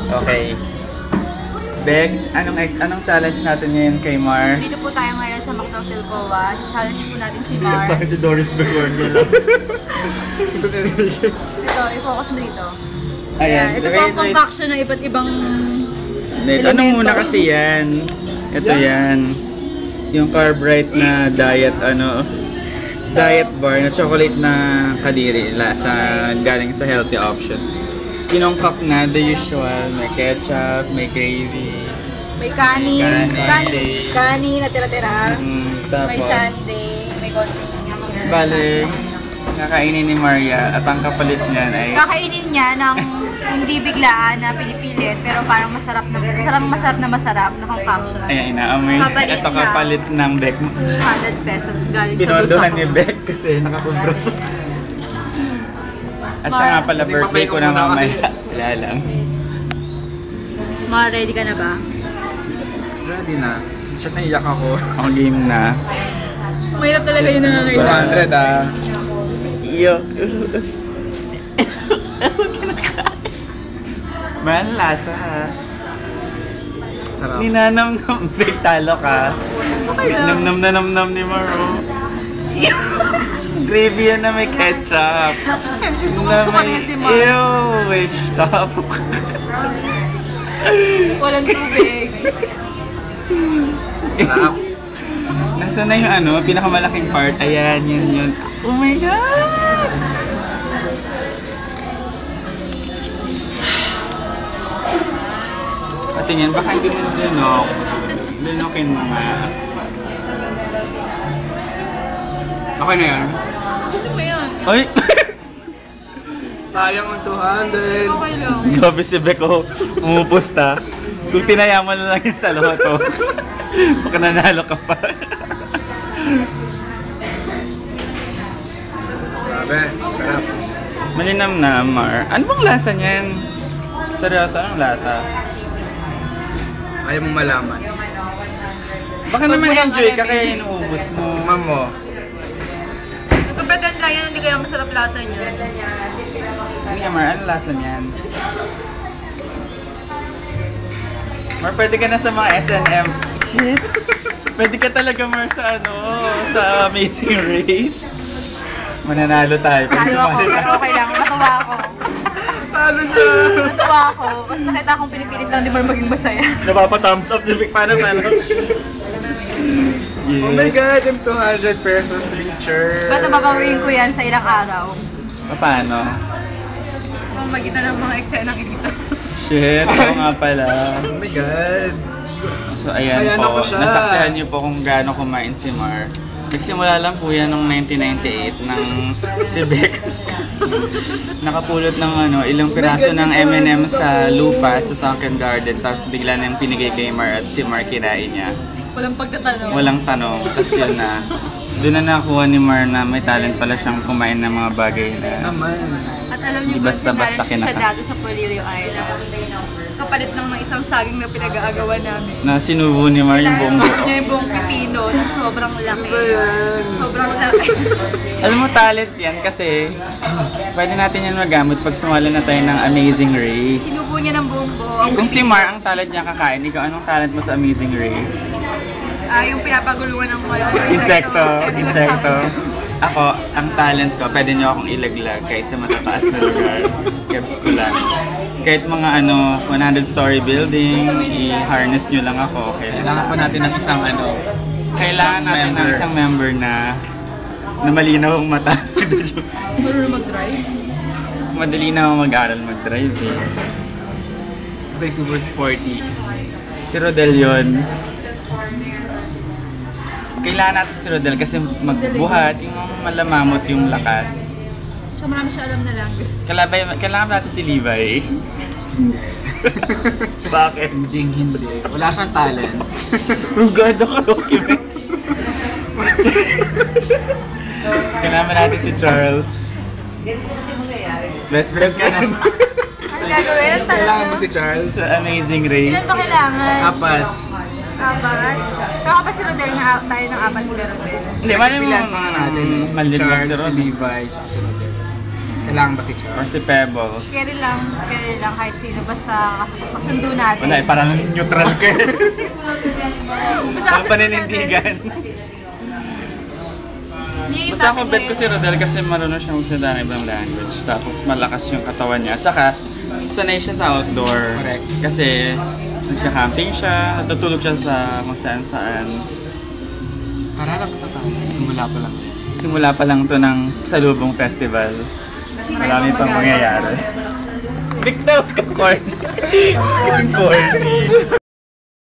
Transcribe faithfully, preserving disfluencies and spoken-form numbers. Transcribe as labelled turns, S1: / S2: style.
S1: Okay. Beg, anong anong challenge natin ngayon kay Mar?
S2: Dito po tayo ngayon sa Macdo Philcoa. Challenge po natin si Mar.
S1: Bakit si Doris Begonia lang?
S2: Dito, i-focus mo dito.
S1: Ayan.
S2: Ito po ang concoction ng iba't ibang
S1: Wait, ano muna kasi yan? Ito yan. Yung Carbrite na diet ano diet bar na chocolate na kadiri lasa galing sa healthy options. Kinongkak na the usual, may ketchup, may gravy,
S2: may kanin,
S1: Kanin.
S2: kanin, kanin na tira-tira.
S1: mm,
S2: May
S1: tapos
S2: sundae, may konting
S1: bale kakainin ni Maria at ang kapalit niyan ay
S2: kakainin niya ng hindi biglaan na pinipilit pero parang masarap na masarap masarap na masarap na concoction.
S1: ayan, inaamoy.
S2: Kapalit
S1: Ito
S2: na.
S1: kapalit ng Beck.
S2: two hundred pesos galing sa
S1: Pinondohan
S2: bulsa
S1: ni
S2: ko.
S1: Beck kasi nakakubra siya. At siya
S2: Mar-
S1: nga pala birthday ko na mamaya. Wala lang.
S2: Ma, ready ka na ba?
S3: Ready na. Shit, naiyak ako.
S1: Ako game na.
S2: Mahirap talaga yung
S3: two
S2: nangangailangan.
S3: hundred ah.
S1: Iyo. Man, lasa ha.
S3: Sarap.
S1: Ninanam-nam. Big talo ka.
S2: Okay lang.
S1: Nam-nam na nam-nam ni Maro. Gravy yan na may ketchup.
S2: Sumusuka na si Ma.
S1: Ew, wait, stop.
S2: Walang tubig.
S3: Sarap.
S1: Nasaan na yung ano, pinakamalaking part? Ayan, yun yun. Oh my God! At yan, baka hindi mo dinok. Dinokin mo nga.
S3: Okay na yan.
S2: Gusto mo yan?
S1: Ay!
S3: Sayang ang two hundred.
S2: Okay lang.
S1: Gabi si Beko, umupusta. Kung tinaya mo na lang yun sa loto, baka nanalo ka pa.
S3: Grabe, sarap.
S1: Malinam na, Mar. Ano bang lasa niyan? Seryoso, anong lasa?
S3: Ayaw mong malaman.
S1: Baka
S2: Wag
S1: naman
S2: mo lang
S1: enjoy ka
S2: alamin.
S1: kaya inuubos mo.
S3: Tikman mo.
S2: Nagpapatan lang yan, hindi kaya masarap lasa niya.
S1: Hindi nga, Mar, anong lasa niyan? Mar, pwede ka na sa mga S and M. Shit! Pwede ka talaga, Mar, sa ano, sa Amazing Race. Mananalo tayo. Pwede
S2: Talo ako,
S1: sumali
S2: pero okay lang. Natuwa ako.
S1: Talo siya!
S2: Natuwa ako. Kasi nakita akong pinipilit lang ni Mar maging masaya.
S1: Napapa-thumbs up si Vic. Paano, paano? Yes.
S3: Oh my God, yung two hundred pesos picture.
S2: Ba't nababawiin ko yan sa ilang araw?
S1: Paano?
S2: Magitan ng mga eksenang inita.
S1: Shit, oo nga pala.
S3: Oh my God.
S1: So ayan
S3: Ayan
S1: po,
S3: ako siya.
S1: nasaksihan niyo po kung gaano kumain si Mar. Nagsimula lang po yan noong nineteen ninety-eight nang si Beck nakapulot ng ano, ilang piraso ng M and M sa lupa sa Sunken Garden, tapos bigla nang pinigay kay Mar at si Mar kinain niya.
S2: Walang pagtatanong.
S1: Walang tanong, tapos yun na. Doon na nakuha ni Mar na may talent pala siyang kumain ng mga bagay na
S3: Naman.
S2: At alam niyo
S1: Di
S2: ba,
S1: basta-basta
S2: sinarang siya
S1: kinaka-
S2: dati sa Polirio Island. Kapalit lang ng isang saging na pinag-aagawan namin.
S1: na sinubo ni Mar yung buong
S2: Suot
S1: buo.
S2: niya yung buong pipino na sobrang laki.
S3: Ano yan?
S2: Sobrang laki.
S1: Alam mo, talent yan kasi pwede natin yan magamit pag sumali na tayo ng Amazing Race.
S2: Sinubo niya ng buong buo. Ang
S1: Kung si
S2: pipino.
S1: Mar ang talent niya kakain, ikaw anong talent mo sa Amazing Race?
S2: Ah, yung pinapaguluhan ng mga
S1: Insekto, insekto. Ako, ang talent ko, pwede niyo akong ilaglag kahit sa matataas na lugar. Kebs ko lang. Kahit mga ano, one hundred story building, i-harness niyo lang ako. Okay lang.
S3: Kailangan pa natin ng isang ano.
S1: Kailangan natin ng
S3: member.
S1: isang member na na malinaw ang mata.
S2: Marunong mag-drive.
S1: Madali na ako mag-aral mag-drive eh. Kasi super sporty. Si Rodel yun. Kailangan natin si Rodel kasi magbuhat, yung malamamot yung lakas.
S2: So marami siya alam na language.
S1: Kalabay, kailangan natin si Levi. Bakit?
S3: Jing hindi. Wala siyang talent.
S1: Rugado ka document. Kailangan natin si Charles. Best friends ka na.
S2: Ang gagawin? Ang
S3: Kailangan mo
S2: tanong
S3: si Charles.
S1: Sa Amazing Race.
S2: Ilan ba kailangan?
S3: Apat.
S2: Apat? Kaya pa si Rodel nga tayo ng apat ni Rodel.
S1: Hindi, mali mo
S3: Bilan pa nga natin.
S1: Mali mo
S3: Charles,
S1: si
S3: si
S1: Rodel.
S3: Levi, tsaka si Rodel. Kailangan ba si
S1: Or
S3: Charles?
S1: si Pebbles.
S2: Carry lang, carry lang kahit sino. Basta kasundo natin.
S1: Wala, eh, parang neutral ka.
S2: Basta
S1: Ang
S2: kasi-
S1: paninindigan.
S2: Hindi,
S1: Basta ako
S2: sabi
S1: bet
S2: niya
S1: ko si Rodel kasi marunong siyang magsalita ng ibang language. Tapos malakas yung katawan niya. At saka, sanay siya sa outdoor.
S3: Correct.
S1: Kasi, nagka-camping siya, natutulog siya sa kung saan-saan.
S3: Harap sa tayo. Simula pa lang.
S1: Simula pa lang to ng Salubong Festival. Marami pang mangyayari. Bigtaw ka, corny. Corny.